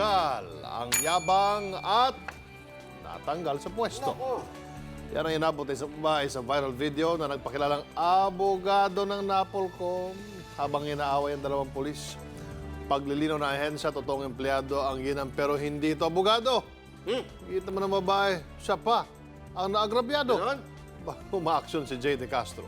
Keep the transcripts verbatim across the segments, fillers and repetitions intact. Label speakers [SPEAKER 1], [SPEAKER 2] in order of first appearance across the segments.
[SPEAKER 1] tinanggal ang yabang at natanggal sa pwesto. Yan ang inabot sa bahay sa viral video na nagpakilalang abogado ng Napolcom habang inaaway ang dalawang pulis. Paglilinaw na ahensya, totoong empleyado ang ginang pero hindi ito abogado. Hmm. Kita mo ng babae, siya pa ang naagrabyado. Umaaksyon si Jay De Castro.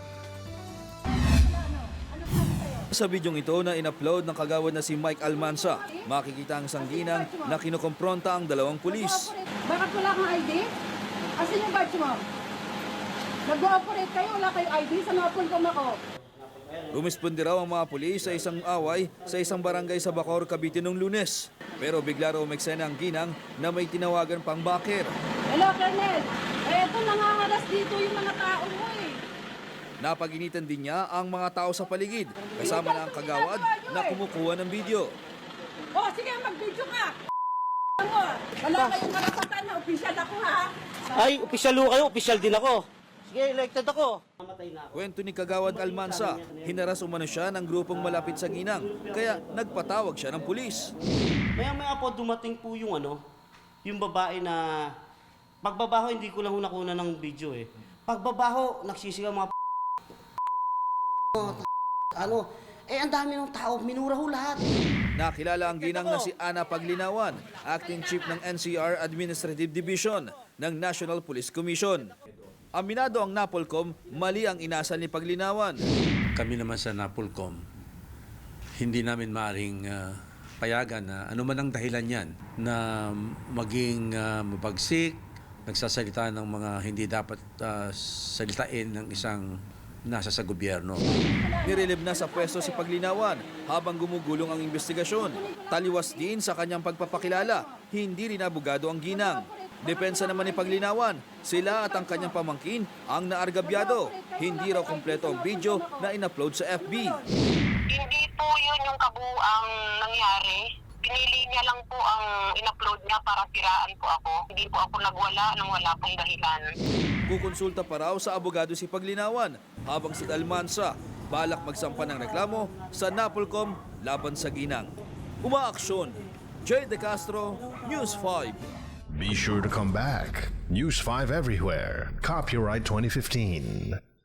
[SPEAKER 2] Sa bidyong ito na in-upload ng kagawad na si Mike Almanza, makikita ang isang ginang na kinukompronta ang dalawang pulis.
[SPEAKER 3] Bakit wala kang I D? Asan yung badge mo? Nag-ooperate kayo, wala kayong I D? Sa Napolcom ako.
[SPEAKER 2] Rumispondi raw ang mga pulis sa isang away sa isang barangay sa Bacoor, Cavite noong Lunes. Pero bigla raw umeksena ang ginang na may tinawagan pang baker.
[SPEAKER 3] Hello, Colonel. Eh, ito nangangaras dito yung mga tao mo eh.
[SPEAKER 2] Napaginitan din niya ang mga tao sa paligid, kasama na ang kagawad na kumukuha ng video.
[SPEAKER 3] Oh, sige, mag-video ka. Wala kayong karapatan na opisyal ako, ha?
[SPEAKER 4] Ay, opisyal ho kayo, opisyal din ako. Sige, elected ako.
[SPEAKER 2] Kwento ni Kagawad Almanza, hinaras umano siya ng grupong malapit sa ginang, kaya nagpatawag siya ng pulis.
[SPEAKER 4] Maya-maya po dumating po yung ano, yung babae na pagbabaho hindi ko lang ho nakuna ng video eh. Pagbabaho, nagsisigaw mga ano, eh ang dami ng tao, minura ho lahat.
[SPEAKER 2] Nakilala ang ginang na si Ana Paglinawan, Acting Chief ng N C R Administrative Division ng National Police Commission. Aminado ang Napolcom, mali ang inasal ni Paglinawan.
[SPEAKER 5] Kami naman sa Napolcom, hindi namin maaring uh, payagan na ano man ang dahilan yan na maging uh, mabagsik, nagsasalita ng mga hindi dapat uh, salitain ng isang nasa sa gobyerno.
[SPEAKER 2] Nirelib na sa pwesto si Paglinawan habang gumugulong ang investigasyon. Taliwas din sa kanyang pagpapakilala, hindi rin abogado ang ginang. Depensa naman ni Paglinawan, sila at ang kanyang pamangkin ang naargabyado. Hindi raw kumpleto ang video na in-upload sa F B.
[SPEAKER 6] Hindi po yun yung kabuuang nangyari. Pinili niya lang po ang in-upload niya para siraan po ako. Hindi po ako nagwala nang wala pong dahilan.
[SPEAKER 2] Kukonsulta pa raw sa abogado si Paglinawan habang si Almanza balak magsampa ng reklamo sa Napolcom laban sa ginang. Umaaksyon, Jay De Castro, News five.
[SPEAKER 7] Be sure to come back. News five everywhere. Copyright twenty fifteen.